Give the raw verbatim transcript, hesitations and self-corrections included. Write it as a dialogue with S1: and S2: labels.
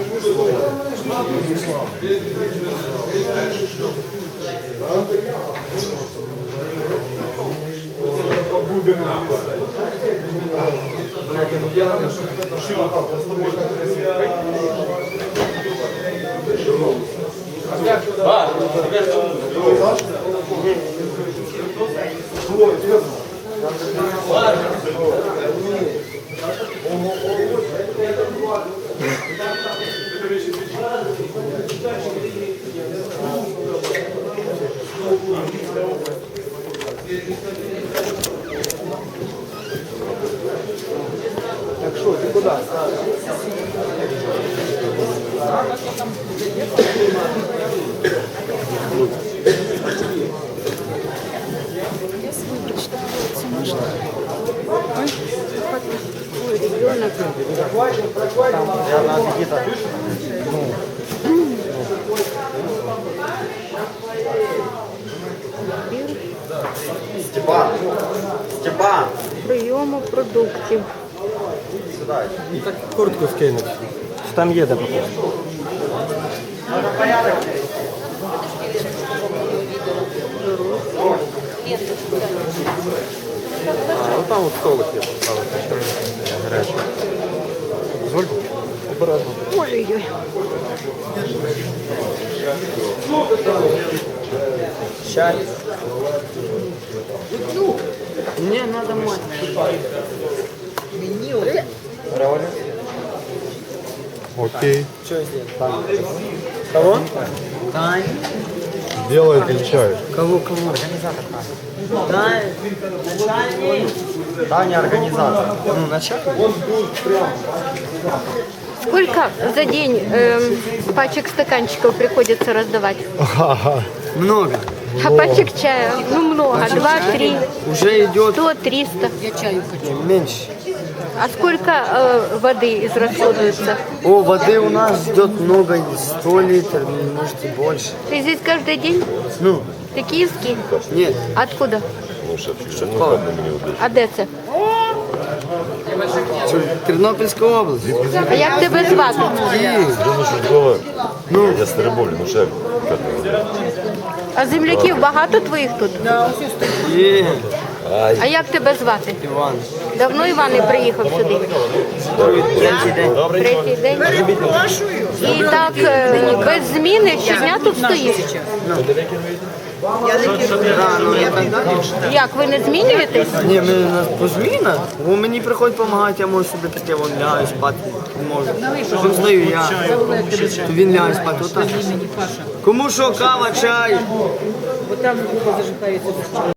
S1: Так что, ты куда?
S2: Ой, ребенок.
S1: Она где-то. Степан! Степан!
S2: Прийому продуктів.
S1: Сюда.
S3: Так куртку скинуть. Там їде поки. А, ну там от столик є поставити. Гарячий. Дозвольте? Обережно.
S2: Ой-ой-ой.
S1: Чай.
S2: Мне надо мать.
S1: Равлик.
S4: Окей.
S1: Что здесь? Кого? Тань.
S4: Делай или чай?
S1: Кого, кого? Организатор Таня. Таня. Начальник. Таня организатор. Ну, начальник.
S2: Сколько за день эм, пачек стаканчиков приходится раздавать?
S1: Много.
S2: А пачек чая? Ну много. Два, три,
S1: Уже идет
S2: сто, триста.
S1: меньше.
S2: А сколько э, воды израсходуется?
S1: О, воды у нас идет много, сто литров, может и больше.
S2: Ты здесь каждый день?
S1: Ну,
S2: Ты киевский?
S1: нет.
S2: Откуда?
S1: Шевкова.
S2: А де це?
S1: Тернопільська область.
S2: А як тебе звати?
S1: Київ.
S4: Ну, я Староболі, ну ще.
S2: А земляків багато твоїх тут?
S1: Є.
S2: А як тебе звати?
S1: Іван.
S2: Давно Іван не приїхав сюди?
S1: Третій день.
S2: Третій день. І так е, без зміни щодня тут стоїш?
S1: Да, ну, я так далі.
S2: Як, ви не змінюєтесь?
S1: Ні, ми у нас по змінах. Бо мені приходять допомагати, я можу собі піти, вон лягаю спати, можу. Щоб знаю я, то він лягає спати, отак. Кому що, кава, чай?